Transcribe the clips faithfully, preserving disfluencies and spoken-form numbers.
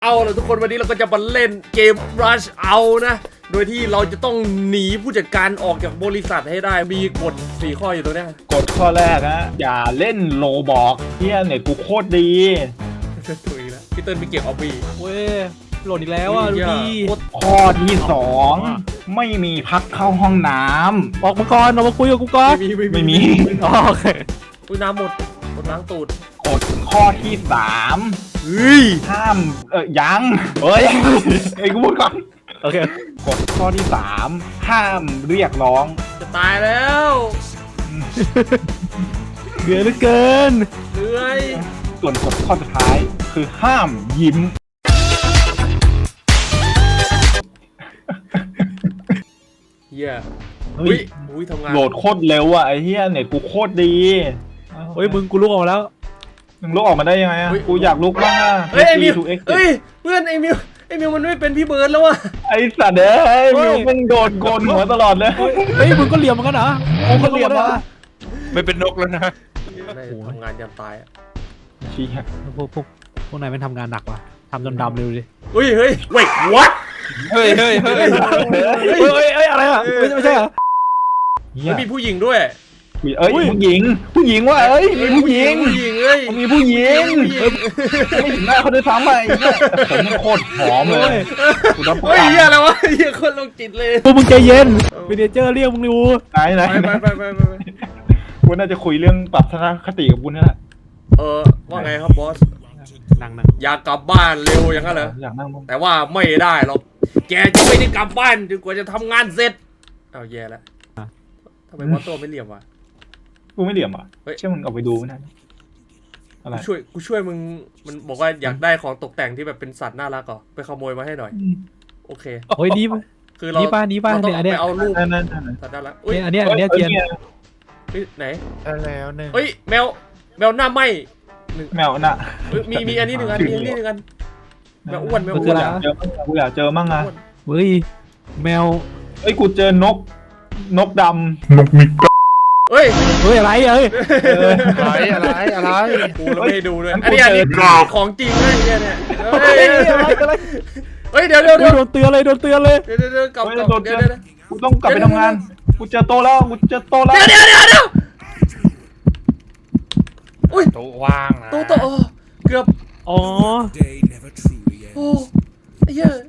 เอาล่ะทุกคนวันนี้เราก็จะมาเล่นเกม Rush เอานะโดยที่เราจะต้องหนีผู้จัดการออกจากบริษัทให้ได้มีกฎสี่ข้ออยู่ตรงนี้กฎข้อแรกนะอย่าเล่นโลบอกเฮียเน็ตกูโคตรดีถูกอีกแล้วพี่เติ้ลไปเก็บออบบี้เว้ยโหลดอีกแล้วอ่ะดูดีข้อที่สองไม่มีพักเข้าห้องน้ำออกมาก่อนออกมาคุยกับกูก่อนไม่มีไม่มีโอเคอุ้ยน้ำหมดหมดล้างตูดกฎข้อที่สามเฮ้ยห้ามเออยังเฮ้ยไอ้กูพูดก่อนโอเคกฎข้อที่สามห้ามเรียกร้องจะตายแล้วเหนื่อยเหลือเกินเหนื่อยส่วนกฎข้อสุดท้ายคือห้ามยิ้มเฮียอุ้ยอุ้ยทำงานโหลดโคตรเร็วอ่ะไอ้เฮียเน็ตกูโคตรดีเฮ้ยมึงกูลุกออกมาแล้วมึงลุกออกมาได้ยังไงอ่ะกูอยากลุกบ้างอ่ะเฮ้ยไอมิวเฮ้ยเพื่อนไอมิวไอมิวมันไม่เป็นพี่เบิร์ดแล้วว่ะไอสัตว์เอ้ยมิวมึงโดนโกนหัวตลอดเลยเฮ้ยมึงก็เหลี่ยมเหมือนกันเหรอมึงก็เหลี่ยมนะไม่เป็นนกแล้วนะทำงานยันตายอ่ะชี้ฮะพวกพวกพวกนายไม่ทำงานหนักว่ะทำจนดำเร็วดิเฮ้ยเฮ้ย wait what เฮ้ยเฮ้ยเฮ้ยเฮ้ยเฮ้ยอะไรอ่ะไม่ใช่เหรอมีผู้หญิงด้วยเอ้ยผู้หญิงผู้หญิงว่ะเอ้ยมีผู้หญิงผู้หญิงเอ้ยมีผู้หญิงไม่ถึงหน้าเขาด้วยซ้ำไปผมมันโคตรหอมเลยเฮ้ยเฮียอะไรวะเฮียคนลงจิตเลยพวกมึงใจเย็นวินเจอร์เรียกมึงดูไหนไหนไปไปไปไปคุณน่าจะคุยเรื่องปรับทัศนคติกับคุณนี่แหละเออว่าไงครับบอสนั่งนั่งอยากกลับบ้านเร็วอย่างนั้นเหรออยากนั่งแต่ว่าไม่ได้หรอกแกจะไม่ได้กลับบ้านจนกว่าจะทำงานเสร็จเอาแย่แล้วทำไมบอสตัวไม่เหลี่ยมวะกูไม่เหลี่ยมอ่ะเชื่อมึงเอาไปดูไม่ได้อะไรช่วยกูช่วยมึงมันบอกว่าอยากได้ของตกแต่งที่แบบเป็นสัตว์น่ารักเหรอไปขโมยมาให้หน่อยโอเคโอ้ยนี่คือเรานี่ป้านี่ป้าเนี่ยอันเนี้ยเอารูปสัตว์น่ารักอันเนี้ยอันเนี้ยเทียนไหนแล้วหนึ่งเฮ้ยแมวแมวหน้าไหมแมวน่ะมีมีอันนี้หนึ่งอันมีอันนี้หนึ่งอันแมวอ้วนแมวอ้วนกูอยากเจอมั่งอะเฮ้ยแมวเฮ้ยกูเจอนกนกดำนกมิกเฮ้ยเฮ้ยอะไรเฮ้ยอะไรอะไรอะไรกูเราไม่ดูด้วยอันนี้อันนี้ของจริงเลยเนี่ยเฮ้ยเฮ้ยเดี๋ยวเดี๋ยวเดี๋ยวโดนเตือนเลยโดนเตือนเลยเดี๋ยวเดี๋ยวกลับกลับเดี๋ยวเดี๋ยวกูต้องกลับไปทำงานกูเจอโตแล้วกูเจอโตแล้วเดี๋ยวเดี๋ยวเดี๋ยวเดี๋ยวอุ้ยโต๊ะว่างนะโต๊ะโต๊ะเกือบอ๋อโอ้ไอ้เหี้ย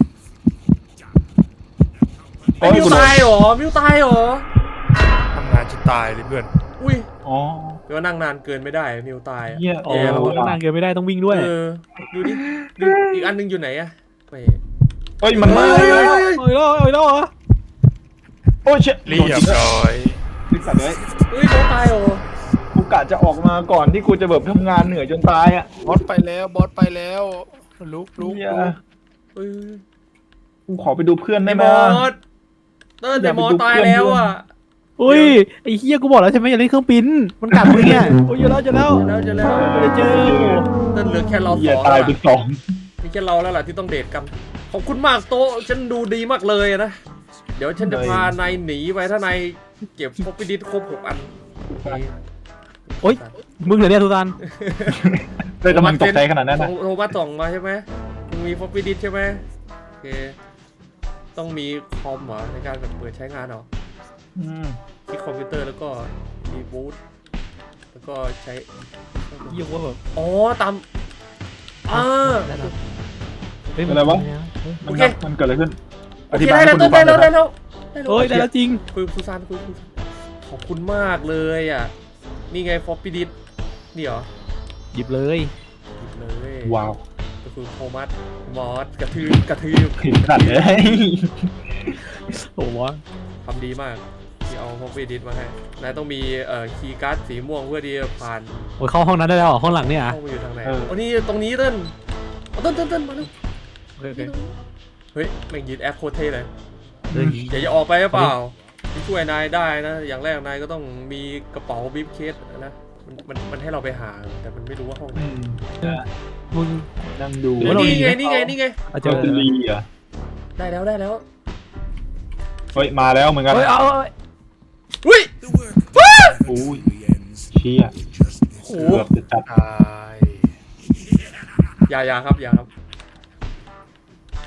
ไอ้มิวตายหรอมิวตายหรอทำงานจะตายเลยเพื่อนอุ้ยอ๋อเดี๋ยวนั่งนานเกินไม่ได้มิวตายเหี้ยอ๋อนั่งนานเกินไม่ได้ต้องวิ่งด้วยเออดูดิดูอีกอันนึงอยู่ไหนอะไปเฮ้ยมันมาเลยโอ้ยแล้วโอ้ยแล้วเหรอโอ้ยเชี่ยเรียบร้อยดิสัตว์เลยเฮ้ยโต๊ะตายหรอกูกะจะออกมาก่อนที่กูจะแบบทำงานเหนื่อยจนตายอ่ะบอสไปแล้วบอสไปแล้วลุกลุกเฮ้ยกูขอไปดูเพื่อนได้ไหมเติ้ลแต่หมอตายแล้วอ่ะอุ้ยไอ้เฮียกูบอกแล้วใช่ไหมอย่าเล่นเครื่องบินมันกัดมึงเนี่ยโอ้ยเจอแล้วเจอแล้วเจอแล้วเจอเติ้ลเหลือแค่เราสองตายไปสองมีแค่เราแล้วแหละที่ต้องเดทกันขอบคุณมากโต๊ะฉันดูดีมากเลยนะเดี๋ยวฉันจะพานายหนีไปถ้านายเก็บพบพิดิษครบหกอันโอ้ยมึงเหรอเนี่ยทุกท่านเลยกำลังตกใจขนาดนั้นนะโทรมาส่งมาใช่ไหมมึงมีพบพิดิษใช่ไหมโอเคต้องมีคอมเหรอในการแบบเปิดใช้งานเหรอที่คอมพิวเตอร์แล้วก็มีบูทแล้วก็ใช้ยี่ห้อแบบอ๋อตามอ่าอะไรวะมันมันเกิดอะไรขึ้นอธิบายให้คุณฟังได้แล้วได้แล้วโอ้ยได้แล้วจริงคุยคุยซานคุยคุยขอบคุณมากเลยอ่ะนี่ไงฟอปปี้ดิสนี่เหรอหยิบเลยหยิบเลยว้าวก็คือโทมัสมอสกระทืบกระทืบผิดขัดเลยโอ้โหทำดีมากที่เอาฟอปปี้ดิสมาให้นายต้องมีเอ่อคีย์การ์ดสีม่วงเพื่อที่จะผ่านโอ้ยเข้าห้องนั้นได้แล้วห้องหลังเนี่ยห้องมันอยู่ทางไหนโอ้นี่ตรงนี้เต้นเต้นเต้นเต้นมาดูเฮ้ยแม่งยืนแอคโคเท่เลยอย่าจะออกไปหรือเปล่าที่ช่วยนายได้นะอย่างแรกนายก็ต้องมีกระเป๋าบิฟเคสนะมันมันมันให้เราไปหาแต่มันไม่รู้ว่าห้องไหนมึงนั่งดูนี่ไงนี่ไงนี่ไงเจอลีอ่ะได้แล้วได้แล้วเฮ้ยมาแล้วเหมือนกันเฮ้ยเอาอุ้ยโอ้ยเชี่ยโอ้เกือบจะจับอย่าอย่าครับอย่าครับ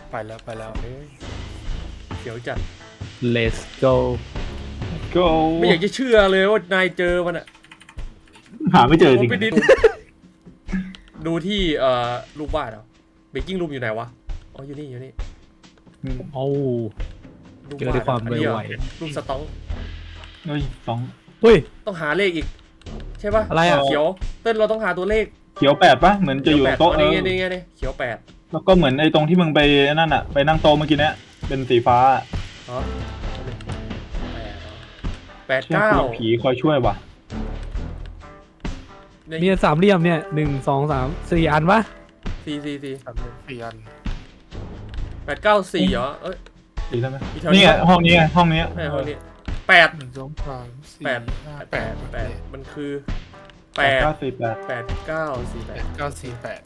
ไปแล้วไปแล้วเอ้ยเดี๋ยวจัด let's go go ไม่อยากจะเชื่อเลยว่านายเจอมันอะหาไม่เจอจริงไปดิดูที่เอ่อรูปวาดเหรอเบกกิ้งรูมอยู่ไหนวะอ๋ออยู่นี่อยู่นี่อืมโอ้รูปเจอด้วยความอันนี้เหรอไวรูปสต็องเฮ้ยสองเฮ้ยต้องหาเลขอีก ใช่ป่ะอะไรอะเขียวเต้นเราต้องหาตัวเลขเขียวแปดปะเหมือนจะอยู่แปดโต๊ะอ๋อเอนี่อไงนี่ไงนี่เขียวแปดแล้วก็เหมือนไอ้ตรงที่มึงไปนั่นอะไปนั่งโต๊ะเมื่อกี้เนี้ยเป็นสีฟ้าอ๋อแปดเชื่อเก้ากูผีคอยช่วยว่ะมีสามเหลี่ยมเนี่ยหนึ่งสองสามสี่อันปะสี่สี่สี่สามสี่อันแปดเก้าสี่เหรอเอ้ยดีแล้วไหมอีกแถวนี้นี่ไงห้องนี้ไงห้องนี้ไม่ห้องนี้แปดหนึ่งสองสามสี่แปดห้าแปแปดดแปดมันคือแปแปดดเก้าสี่แปดแปดเก้าสี่แปแปดดเก้าสี่แปด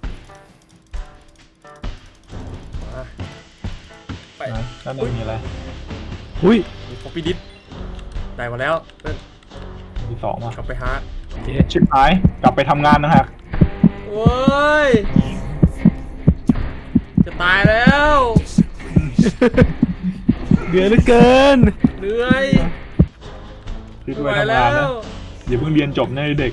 มาไปไหนด้านในมีอะไรอุ้ยมีคอปปี้ดิสได้มาแล้วเต้นมีสองว่ะกลับไปหาโอเคชิบหายกลับไปทำงานนะฮะโอ้ยจะตายแล้วเดือดเหลือเกินเหนื่อยคิดไม่ไว้ไหวทำแล้งานนะวอย่าเพิ่งเรียนจบนะเด็ก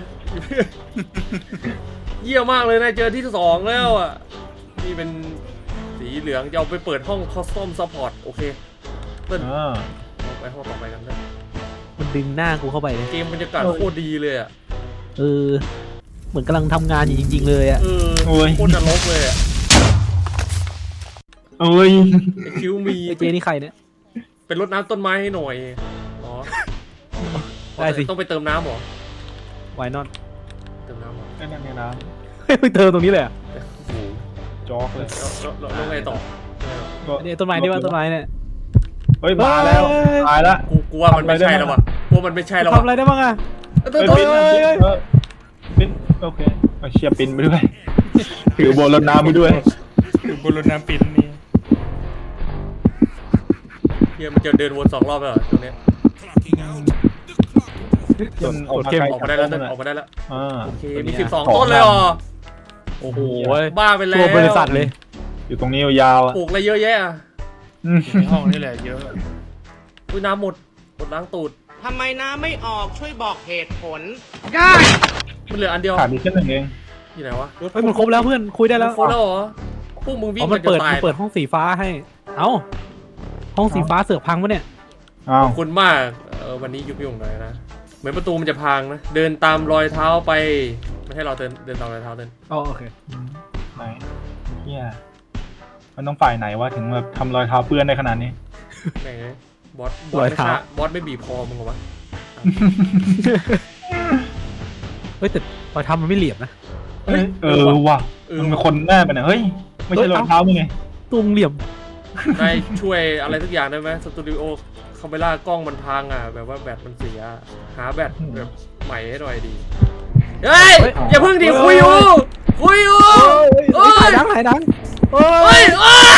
เยี่ยมมากเลยนะเจอที่สองแล้วอ่ะนี่เป็นสีเหลืองจะเอาไปเปิดห้องคอสตอมซัพพอร์ตโอเคเต้นอ่าเอาไปห้องต่อไปกันเต้นมันดึงหน้ากูเข้าไปเลยเกมบรรยากาศโคตรดีเลยอ่ะเออ เหมือนกำลังทำงานอยู่จริง ๆ เลยอะเออโคตรนรกเลยอ่ะเอ้ยไอคิวมีไอเจนี่ใครเนี่ยเป็นรดน้ำต้นไม้ให้หน่อยอ๋อได้สิต้องไปเติมน้ำเหรอวายนอนเติมน้ำเหรอนั่นนี่นะไปเติมตรงนี้เลยอะโอ้โหจอกเลยแล้วแล้วแล้วไงต่อก็อันนี้ต้นไม้นี่ว่าต้นไม้เนี่ยเฮ้ยมาแล้วเฮ้ยตายละกูกูว่ามันไม่ใช่แล้วว่ะกูว่ามันไม่ใช่แล้วทำว่ะอะไรได้บ้างอะเออเฮ้ยเออปินเออเออปินโอเคเอาเชียร์ปินไปด้วย ถือโบรถน้ำไปด้วยคือบนรถน้ำปินนี่เฮียมันจะเดินวนสองรอบแล้วเหรอตรงเนี้ยจนออกมาไกลออกมาได้แล้วเต้นออกมาได้แล้วอ่าโอเคมีสิบสองต้นเลยเหรอโอ้โหบ้าไปแล้วทั่วบริษัทเลยอยู่ตรงนี้ยาวๆอ่ะปลูกอะไรเยอะแยะอ่ะอืมในห้องนี่แหละเยอะอุ้ยน้ำหมดหมดล้างตูดทำไมน้ำไม่ออกช่วยบอกเหตุผลมันเหลืออันเดียวขาดอีกแค่หนึ่งเองอยู่ไหนวะเฮ้ยมันครบแล้วเพื่อนคุยได้แล้วโคตรแล้วเหรอพวกมึงวิ่อ๋งอกัมัน นจะเปิดตายมันเปิดห้องสีฟ้าให้ เอ้า ห้องสีฟ้าเสือกพังปะเนี่ยอ้าวขอบคุณมากเออวันนี้ยุบยุ่งหน่อยนะเหมือนประตูมันจะพังนะเดินตามรอยเท้าไปไม่ให้เราเดินเดินตามรอยเท้าเดินอ๋อโอเคไหนเฮียมันต้องฝ่ายไหนวะถึงแบบทำรอยเท้าเปื้อนได้ขนาดนี้แม่งเลยบอสบอสไม่ฆ่าบอสไม่บีบคอมึงเหรอวะเฮ้ยแต่รอยเท้ามันไม่เหลี่ยมนะเฮ้ยเออว่ะเออมันเป็นคนแน่ไปเนี่ยเฮ้ยไม่ใช่รอยเท้ามึงไงตุ้งเหลี่ยมนายช่วยอะไรทุกอย่างได้ไหมสตูดิโอคาเมล่ากล้องมันพังอ่ะแบบว่าแบตมันเสียหาแบตแบบใหม่ให้หน่อยดีเฮ้ยอย่าเพิ่งดิคุยอยู่คุยอยู่เฮ้หาย ยดังหายดังเฮ้เฮ้ยยโอ้ย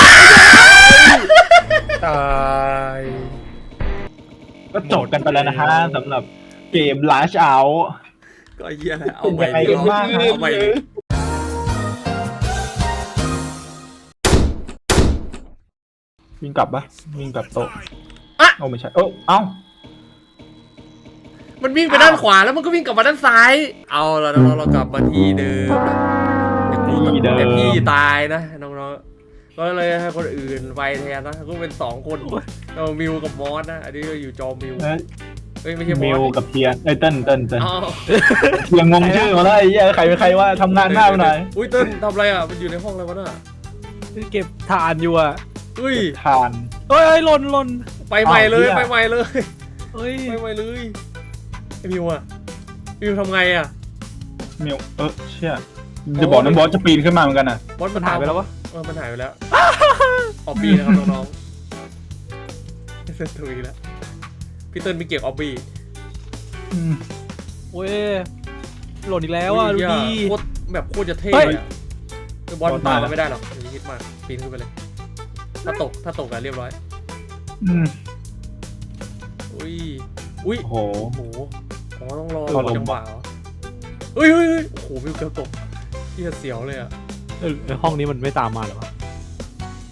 ตายก็จบกันไปแล้วนะฮะสำหรับเกม Lash Out ก็เหี้ยแหละเอาใหม่เป็นยังไงกันบ้างฮะเอาใหม่ดิวิ่งกลับปะวิ่งกลับโต๊ะอะโอ้ไม่ใช่เอ้าเอ้ามันวิ่งไปด้านขวาแล้วมันก็วิ่งกลับมาด้านซ้าย เอาละน้องๆเรากลับมาที่เดิมนะแต่กูต้องแต่พี่ตายนะน้องๆก็เลยให้คนอื่นไปแทนนะก็เป็นสองคนเรามิวกับมอสนะอันนี้ก็อยู่จอมิวเอ้ยเฮ้ยไม่ใช่มมิอวสกับเทียนเอ้ยเติ้ลเติ้ลเติ้ลอ๋อยังงงชื่อมาแล้วไอ้เหี้ยใครเป็นใครว่าทำงานหน้าไปหน่อยอุ้ยเติ้ลทำอะไรอ่ะมันอยู่ในห้องอะไรวะน่ะเก็บถ่านอยู่อ่ะอุ้ยทานเฮ้ยเฮ้ยหล่นหล่นไปใหม่เลยอ้าวเหี้ยไปใหม่เลยเฮ้ยไปใหม่เลยไอมิวอ่ะมิวทำไงอ่ะมิวเออเชี่ยจะบอกนะบอสจะปีนขึ้นมาเหมือนกันอ่ะบอสมันหายไปแล้ววะเออมันหายไปแล้วออบบี้นะครับน้องๆเซนตุยแล้วพี่เติ้ลมีเก็บออบบี้อืมเว้ยหล่นอีกแล้วอ่ะดูดีโคตรแบบโคตรจะเท่เฮ้ยเลยอะคือบอลมันตามมาไม่ได้หรอกอย่าคิดมากปีนขึ้นไปเลย ถ้าตกถ้าตกอะเรียบร้อยอืมอุ้ยอุ้ยโอ้โหโอ้โหอ๋อต้องรอรอลมจังหวะเหรอเฮ้ยเฮ้ยเฮ้ยโอ้โหวิวเกือบตกที่เสียวเลยอะเออห้องนี้มันไม่ตามมาเหรอวะ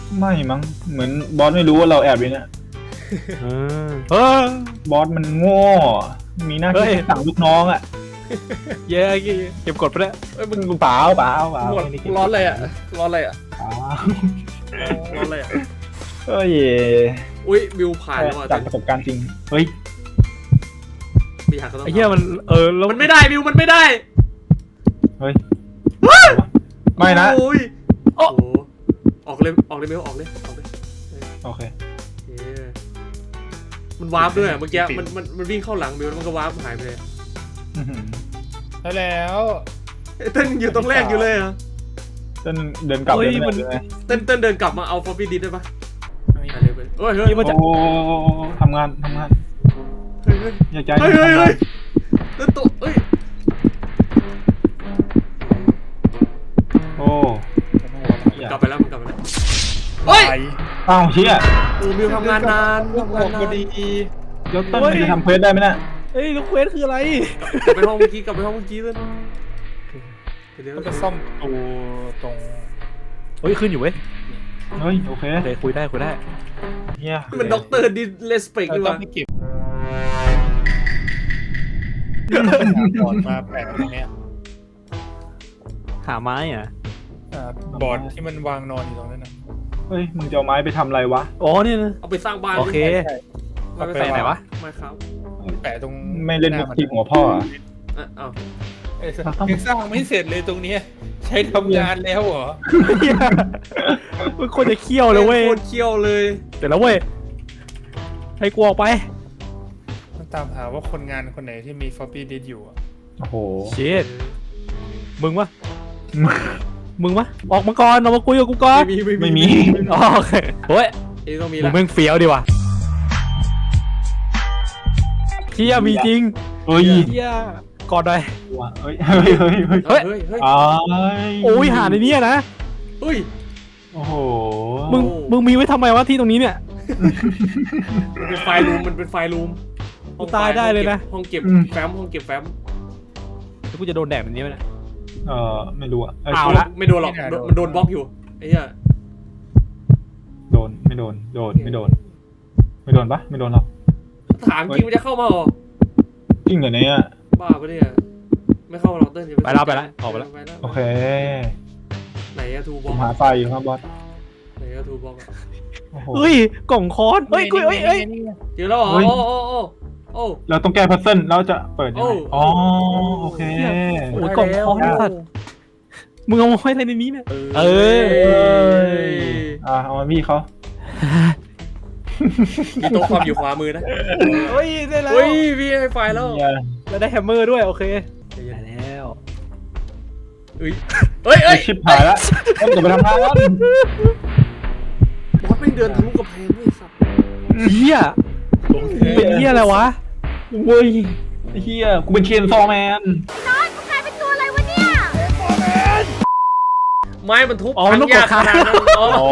ไม่มั้งเหมือนบอสไม่รู้ว่าเราแอบอยู่เนี่ยเออเออบอสมันโง่มีหน้าที่สั่งลูกน้องอ่ะเย้เก็บกดไปแล้วเอ้ยมึงเปล่าเปล่าเปล่าหมดร้อนเลยอ่ะร้อนเลยอ่ะเปล่าร้อนเลยอ่ะเอ้ยอุ้ยบิวผ่านแล้วอ่ะจากประสบการณ์จริงเฮ้ยมีหักก็ต้องไอ้เหี้ยมันเออแล้วมันไม่ได้บิวมันไม่ได้เฮ้ยไม่นะโอ้ยโอ้โหออกเลยออกเลยบิวออกเลยออกเลยโอเคโอเคมันวาร์ปด้วยเมื่อกี้มันมันมันวิ่งเข้าหลังบิวแล้วมันก็วาร์ปหายไปเลยอื้อหือได้แล้วเอ้ยเต้นอยู่ตรงแรกอยู่เลยเหรอ่ะเดินเดินกลับเดินไม่ได้เลยเต้นเต้นเดินกลับมาเอาฟอปปี้ดิสได้ปะอ่ะเร็วไปเฮ้ยเฮ้ยที่มันจะโอ้ทำงานทำงานเฮ้ยเฮ้ยอยากใจเฮ้ยเฮ้ยเฮ้ยเต้นตัวเฮ้ยโอ้กลับไปแล้วมันกลับไปแล้วเฮ้ยไปอ้าวเชี่ยโอ้บิวทำงานนานทำงานพนาอน ดียกต้นจะทำเควสได้ไหมเนี่ยเอ้ยลูกเควสคืออะไรกลับไปห้องเมื่อกี้กลับไปห้องเมื่อกี้เลยเดี๋ยวก็จะซ่อมตัวตรงเฮ้ยขึ้นอยู่เว้ยเฮ้ยโอเคโอเคคุยได้คุยได้เฮียมันด็อกเตอร์ดิเลสเปกเราดีกต้อว่างไปเก็บก่อนมาแปะตรงเนี้ยหาไม้อ่ะอ่าบอร์ดที่มันวางนอนอยู่ตรงนั้นนะเฮ้ยมึงจะเอาไม้ไปทำอะไรวะอ๋อเนี่ยนะเอาไปสร้างบ้านโอเคเอาไปแปะไหนวะไม่ครับแปะตรงไม่เล่นมุกทีหัวพ่ออะอ่ะเอาเอ้ยยังสร้างไม่เสร็จเลยตรงเนี้ยใช้ทำงานแล้วเหรอเหี้ยมันควรจะเคี่ยวเลยเว้ยโคตรเคี้ยวเลยเสร็จแล้วเว้ยให้กูออกไปต้องตามหาว่าคนงานคนไหนที่มีฟอปปี้ดิสอยู่อะโอ้โหเชิดมึงวะมึงวะออกมาก่อนออกมาคุยกับกูก่อนไม่มีไม่มีอ๋อโอเคเฮ้ยเอ้ยต้องมีมึละงแม่งเฟี้ยวดีว่ะเชี่ยมีจริงเฮ้ยเชี่ยกอดหน่อยเฮ้ยเฮ้ยเฮ้ยเฮ้ยเฮ้ยเฮ้ยเฮ้ยอ้ายโอ้ยหาในเนี้ยนะเฮ้ยโอ้โหมึงมึงมีไว้ทำไมวะที่ตรงนี้เนี่ยมันเป็นไฟล์รูมมันเป็นไฟล์รูมกูตายได้เลยนะห้องเก็บแฟ้มห้องเก็บแฟ้มแล้วกูจะโดนแดดแบบนี้ไหมเนี่ยเออไม่รู้อะเยเอาละไม่โดนหรอกโดนมันโดนบล็อกอยู่ไอ้เหี้ยโดนไม่โดนโดนไม่โดน ไม่โดนปะไม่โดนหรอกถามจริงมันจะเข้ามาเหรอจริงเหรอเนี่ยบ้าปะเนี่ยไม่เข้าหรอกเต้นอย่าไปแล้วไปแล้วออกไปแล้วโอเคไหนอะทูบผล็อกมหาไฟอยู่ครับบอสไหนอะทูบล็อกโอ้โหเฮ้ยกล่องค้อนเฮ้ยกูเฮ้ยเฮ้ยเจอแล้วเหรอเฮ้ยโอ้โอ้โอ้โอ้เราต้องแก้พัซเซิลแล้วจะเปิดยังไงโอ้อ๋อโอเคโอ้ยกล่องค้อนไอ้สัตว์มึงเอามาไว้อะไรในนี้เนี่ย เอออ่าเอามาพี่เขามีโต๊ะความอยู่ขวามือนะเฮ้ยได้แล้วเฮ้ยพี่ให้ไฟแล้วเนี่ยแล้วได้แฮมเมอร์ด้วยโอเคได้แล้วเฮ้ยเฮ้ยเฮ้ยชิบหายละต้องจะไปทำงานแล้วบอสไม่งเดินทะลุกระแพงด้วยสัตว์เฮียเป็นเฮียอะไรวะเว้ยไอ้เฮียกูเป็นเชนซอแมนไม้มันทุบอ๋อพังนกยากกระขทานาดนั้นอ๋ออ๋อ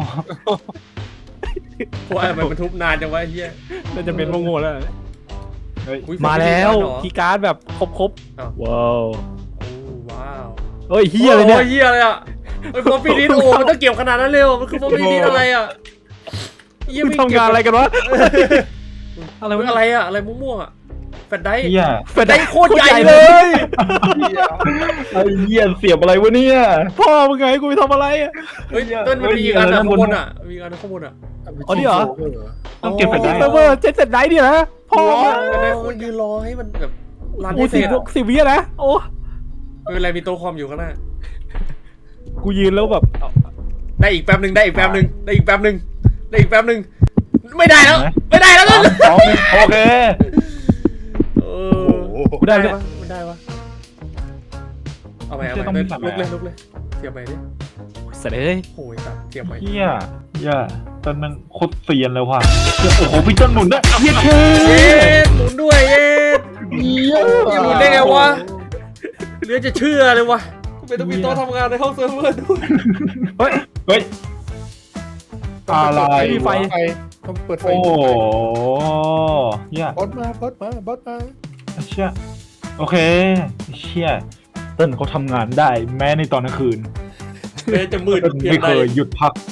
เพราะอะไรมันทุบนานจังวะไอ้เหี้ยน่าจะเป็นโง่ๆแล้วเฮ้ยอุ๊ยมาแล้วเหรอคีย์การ์ดแบบครบอ้าวๆว้าวโอ้ว้าวเฮ้ยเฮียเลยเนี่ยโอ้เฮียอะไรอ่ะไอ้ฟอปปี้ดิสโอ้มันต้องเก็บขนาดนั้นเลยเหรอมันคือฟอปปี้ดิสอะไรอ่ะเหี้ยมึงม่ทำงานอะไรกันวะอะไรเฮ้วะยอะไรอ่ะอะไรม่วงๆอ่ะแฟลชไดร์เฮียแฟลชได้ไดร์โคตรใหญ่เลยไอ้เฮียเสียบอะไรวะเนี่ยพ่อมึงไงกูไปทำอะไรอ่ะเฮ้ยต้นมันมีอีกอันอ่ะข้างบนอ่ะมีอีกอันข้างบนอ่ะอ๋อนี่เหรอต้องเก็บแฟลชไดร์เซิร์ฟเวอร์เจ็ดเซตไดเนี่ยนะพ่อแฟลชไดร์คนยืนรอให้มันแบบรันโอ้ให้เสสิร็บจอะสิบวิอะนะโอ้ไม่เป็นไรมีโต๊ะคอมอยู่ข้างหน้ากูยืนแล้วแบบได้อีกแป๊บหนึ่งได้อีกแป๊บหนึ่งได้อีกแป๊บหนึ่งได้อีกแป๊บหนึ่งไม่ได้แล้วไม่ได้แล้วสต้อน งสองหนึ่งโอเคเออกูได้ไหมเนี่ยปะมันได้ปะเอาไปเอาไปลุกเลยลุกเลยเทียบไปดิเสร็จเลยโอ้ยสัตว์เทียบไปเฮียเฮียต้นมันโคตรเซียนเลยว่ะเหี้ยโอ้โหพี่ต้นหนุนด้วยเฮียเท่เย็ดหมุนด้วยเย็ดเฮียหมุนได้ไงวะเหลือจะเชื่อเลยวะกูเป็นต้องมีโต๊ะทำงานในห้องเซิร์ฟเวอร์ด้วยเฮ้ยเฮ้ยอะไรไม่มีไฟต้องเปิดไฟโอ้โหเฮียบอสมาบอสมาบอสมาเชี่ยโอเคเชี่ยเต้นเขาทำงานได้แม้ในตอนกลางคืนแม้จะมืดเต้นเพียไม่งเคใดยหยุดพักแ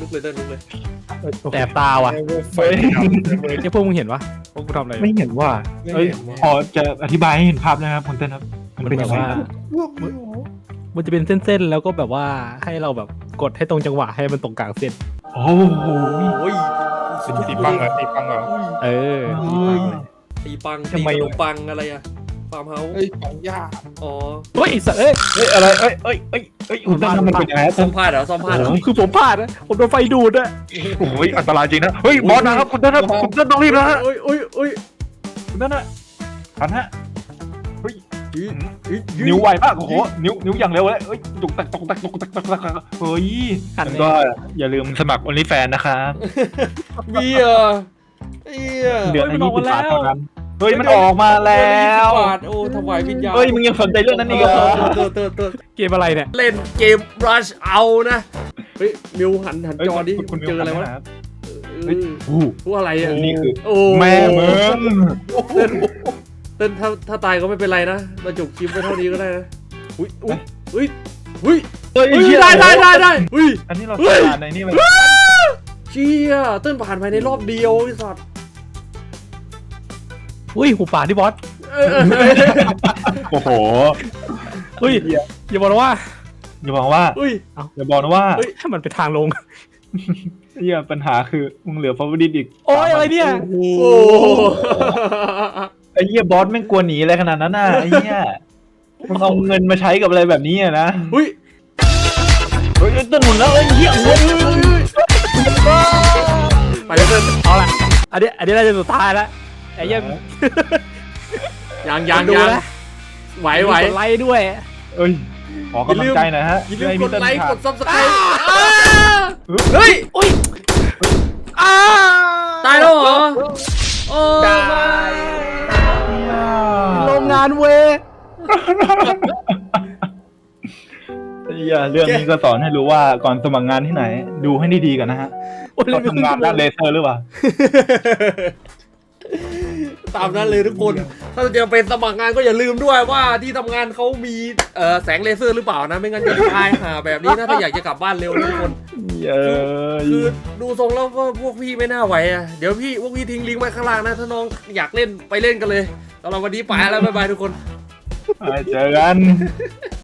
ลุกเลยเต้นลุกเลยแต่ตาว่ะไฟดับเลยไอ้พวกมึงเห็นปะพวกกูทำอะไรไม่เห็นว่าไม่เอ้ยเห็นว่าพอจะอธิบายให้เห็นภาพนะครับคุณเต้นครับ มันเป็นยังไงแบบว่าครับมันจะเป็นเส้นๆแล้วก็แบบว่าให้เราแบบกดให้ตรงจังหวะให้มันตรงกลางเส้นโอ้โหโอ้ยตีปังเหรอตีปังเหรอเออตีปังทำตีไมขนมปังอะไรอะฟาร์มเฮาส์เฮ้ยปังยากอ๋อเฮ้ยไอ้สัตว์เอ้ยเฮ้ยอะไรเอ้ยเอ้ยเอ้ยเอ้ยคุณเต้นทำมันเป็นยังไงครับซ่อมพลาดเหรอซ่อมพลาดเหรอคือผมพลาดนะผมโดนไฟดูดอะโอ้ยอันตรายจริงนะเฮ้ยบอสนะครับคุณเต้นครับคุณเต้นต้องรีบนะฮะโอ้ยโอ้ยโอ้ยคุณเต้นนะทันฮะเฮ้ยยืดยืดยืดนิ้วไวมากโอ้โหนิ้วนิ้วอย่างเร็วเลยเอ้ยตุกตักตุกตักตุกตักตุกตักเฮ้ยแล้วก็อย่าลืมสมัคร OnlyFans นะครับมีเหรอเอียเดือนละยี่สิบบาทเท่านั้นเฮ้ยมันออกมาแล้วบาทโอ้ถวายวิญญาณเฮ้ยมึงยังสนใจเรื่องนั้นอีกเหรอเติร์เติร์เติร์เกมอะไรเนี่ยเล่นเกม Rush เอานะเฮ้ยมิวหันหันจอดิคุณเจออะไรวะครับเอเฮ้ยอโอ้พวกอะไรอ่ะนี่คือโอ้แม่มึงเต้นเต้นถ้าถ้าตายก็ไม่เป็นไรนะเราจบคลิปไว้เท่านี้ก็ได้นะอุ้ยอุ้ยอุ้ยอุ้ยเฮ้ยอุ้ยได้ได้ได้ได้อุ้ยอันนี้เราเฮ้ยผ่านในนี่มันเชี่ยเต้นผ่านภายในรอบเดียวไอ้สัตว์อุ้ยหูป่าที่บอสเออเออเออโอ้โหอุ้ยอย่าบอกนะว่าอย่าบอกว่าอุ้ยอย่าบอกนะว่าเฮ้ยให้มันไปทางลงเฮียปัญหาคือมึงเหลือฟอร์วดิอีกโอ้ยอะไรเนี่ยโอ้ไอ้เหี้ยบอสแม่งกลัวหนีอะไรขนาดนั้นน่ะไอ้เหี้ยมึงเอาเงินมาใช้กับอะไรแบบนี้อะนะอุ้ยเฮ้ยต้นหนุนแล้วไอ้เหี้ยเฮ้ยไปเลยเต้นเอาละอันนี้อันนี้น่าจะสุดท้ายแล้วไอ้เหี้ยังยังยังดูยังนะไหวไหวกดไลค์ด้วยเอ้ยขอกำลังใจหน่อยฮะอย่าลืมให้กพี่ดเต้นไลค์ผ่านกดซับสไครต์เฮ้ยอุ้ยอ้าตายแล้วเหรอโอ้ได้โรงงานเวไอ้เหี้ยเรื่องนี้ก็สอนให้รู้ว่าก่อนสมัครงานที่ไหน ดูให้ดีๆกันนะฮะเขาทำงานด้านเลเซอร์หรือเปล่าตามนั้นเลยทุกคน ถ้าจะเป็นสมัครงานก็อย่าลืมด้วยว่าที่ทำงานเขามีเอ่อแสงเลเซอร์หรือเปล่านะ ไม่งั้นจะตายหาแบบนี้นะถ้าอยากจะกลับบ้านเร็วนะทุกคนเย้ยคือดูทรงแล้วว่าพวกพี่ไม่น่าไหวอ่ะ เดี๋ยวพี่พวกพี่ทิ้งลิงก์ไว้ข้างล่างนะ ถ้าน้องอยากเล่นไปเล่นกันเลยสำหรับวันนี้ไปแล้วบ๊ายบายทุกคนไปเจอกัน